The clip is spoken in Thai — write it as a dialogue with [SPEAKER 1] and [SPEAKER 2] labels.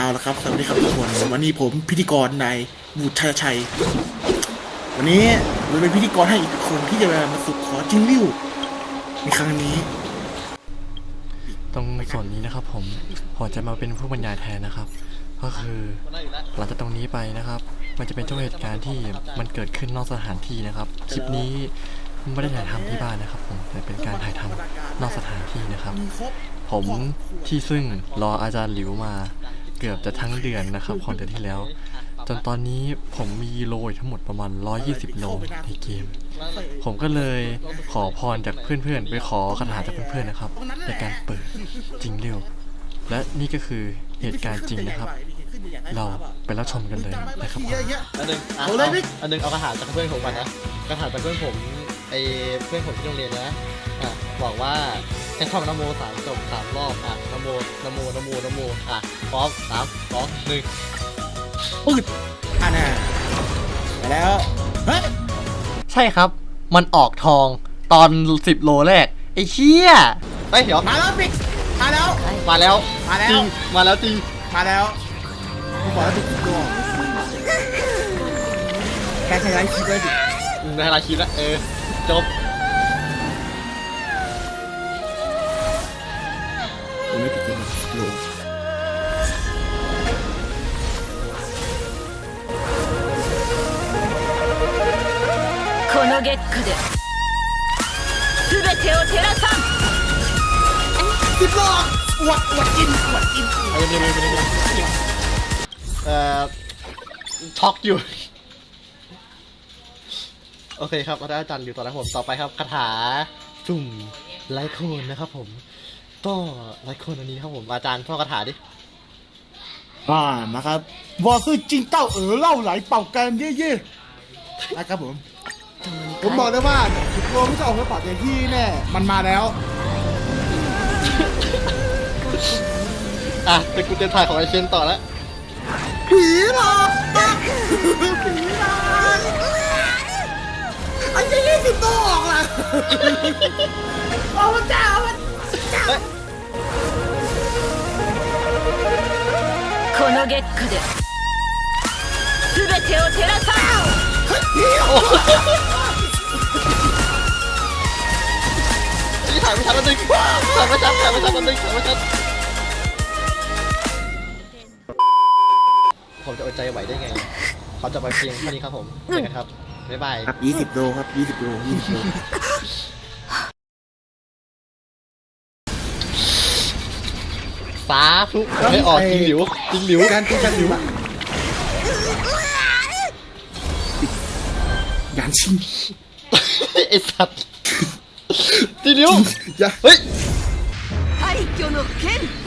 [SPEAKER 1] ละครับสวัสดีครับทุกคนวันนี้ผมพิธีกรนายบุตรชัยวันนี้เราเป็นพิธีกรให้อีกคนที่จะมาฝึกขอจิงลิ้วในครั้งนี้
[SPEAKER 2] ตรงส่วนนี้นะครับผมจะมาเป็นผู้บรรยายแทนนะครับก็คือหลังจากตรงนี้ไปนะครับมันจะเป็นช่วงเหตุการณ์ที่มันเกิดขึ้นนอกสถานที่นะครับคลิปนี้ไม่ได้ถ่ายทำที่บ้านนะครับผมแต่เป็นการถ่ายทำนอกสถานที่นะครับผมที่ซึ่งรออาจารย์หลิวมาเกือบจะทั้งเดือนนะครับของเดือนที่แล้วจนตอนนี้ผมมีโลทั้งหมดประมาณ120โลในเกมผมก็เลยขอพรจากเพื่อนๆไปขอคาถาจากเพื่อนๆนะครับในการเปิดจริงเร็วและนี่ก็คือเหตุการณ์จริงนะครับเราไปรับชมกันเลยนะครับ
[SPEAKER 3] อันหนึ่งเอากระถางจากเพื่อนผมก่อนนะกระถางจากเพื่อนผมเพื่อนผมที่โรงเรียนนะบอกว่าให้ท่องนโม3 จบ 3 รอบนโมพร้อม3 2 1
[SPEAKER 1] ปืดน่ะไปแล้วเฮ้ย
[SPEAKER 2] ใช่ครับมันออกทองตอน10 โลแรกไอ้เชี่ย
[SPEAKER 3] เดี๋ยว
[SPEAKER 1] มาแล้วปิ๊กมาแล้ว
[SPEAKER 3] จริงมาแล้ว
[SPEAKER 1] ผมบอกแล้วถูกตัวแค่ใช้ไลฟ์คลิปเลยดิ
[SPEAKER 3] ในไลฟ์คลิปแล้วจบ
[SPEAKER 1] ยังไม่ติดเลยโล
[SPEAKER 4] この月下で全てを照らさん
[SPEAKER 1] 10 โลอวดกิน
[SPEAKER 3] ช็อกอยู่โอเคครับเราได้อาจารย์อยู่ต่อแล้วผมต่อไปครับคาถาจุ่มไลโคนนะครับผมก็ไลโคนอันนี้ครับผมอาจารย์ท่องคาถาดิ
[SPEAKER 1] นะครับว่าคือจริงเต้าเล่าไหลเป่ากันเย่ๆนะครับผมบอกได้ว่า10 โลไม่จะออกมาปากอย่างที่แน่มันมาแล้ว
[SPEAKER 3] เป็นกูเตนถ่ายของไอเชนต่อแล้ว
[SPEAKER 1] ผีหลอกไอ้ยี่20 โลออกล่ะโอ้พระเจ้า
[SPEAKER 4] この月下で全てを照らさん
[SPEAKER 3] นี่ถ่ายไม่ชัดแล้วนึงถ่ายไม่ชัดผมจะอดใจไหวได้ไงเขาจะไปเพียงเท่านี้ครับผมเจอกันครับบ๊ายบาย
[SPEAKER 1] 20 โลครับ20 โล
[SPEAKER 3] สาธุไม่ออกจริงหลิว
[SPEAKER 1] การหลิวยานชิง
[SPEAKER 3] ไอสัตว์จริงหลิวเฮ้ย
[SPEAKER 4] 廃墟の剣